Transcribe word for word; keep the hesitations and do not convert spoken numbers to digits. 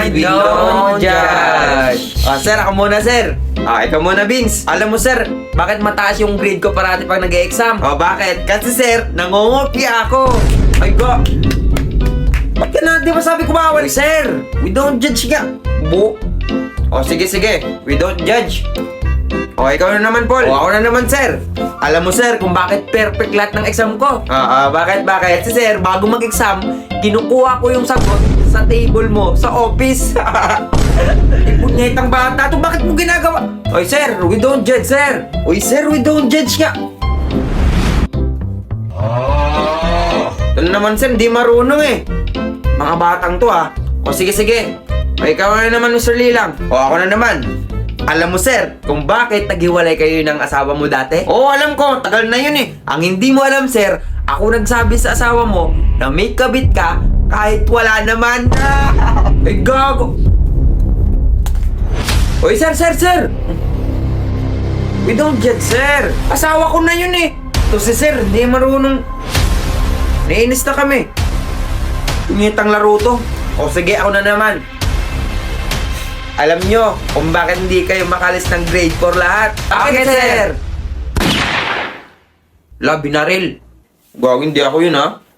and we don't judge. Ah, sir, ako muna, sir. Ah, ikaw muna, Vince. Alam mo, sir, bakit mataas yung grade ko parati pag nag-e-exam? Oh, bakit? Kasi, sir, nangungopia ako. Ay, go. Ba't ka na? Di ba sabi ko bawal? Sir, we don't judge nga. Bu. O, sige, sige. We don't judge. O, ikaw na naman, Paul. O, ako na naman, sir. Alam mo, sir, kung bakit perfect lahat ng exam ko. Ah, ah, bakit, bakit? Si sir, bago mag-exam, kinukuha ko yung sagot sa table mo, sa office. Ipunyetang bata to, bakit mo ginagawa? Oy, sir, we don't judge, sir. Oy, sir, we don't judge nga. Ito naman, sir, di marunong eh. Mga batang to, ah. O, sige, sige. O, ikaw na naman, Mister Lilang. O, ako na naman. Alam mo, sir, kung bakit naghiwalay kayo ng asawa mo dati? Oo, alam ko. Tagal na yun eh. Ang hindi mo alam, sir, ako nagsabi sa asawa mo na may kabit ka kahit wala naman. Ay, gago. Oy, sir, sir, sir. We don't judge, sir. Asawa ko na yun eh. Ito si sir, hindi marunong. Nainis na kami. Tumitang laro to. O sige, ako na naman. Alam nyo kung bakit hindi kayo makalis ng grade four lahat? Bakit, sir? La, binaril. Gawin, hindi ako yun, ha?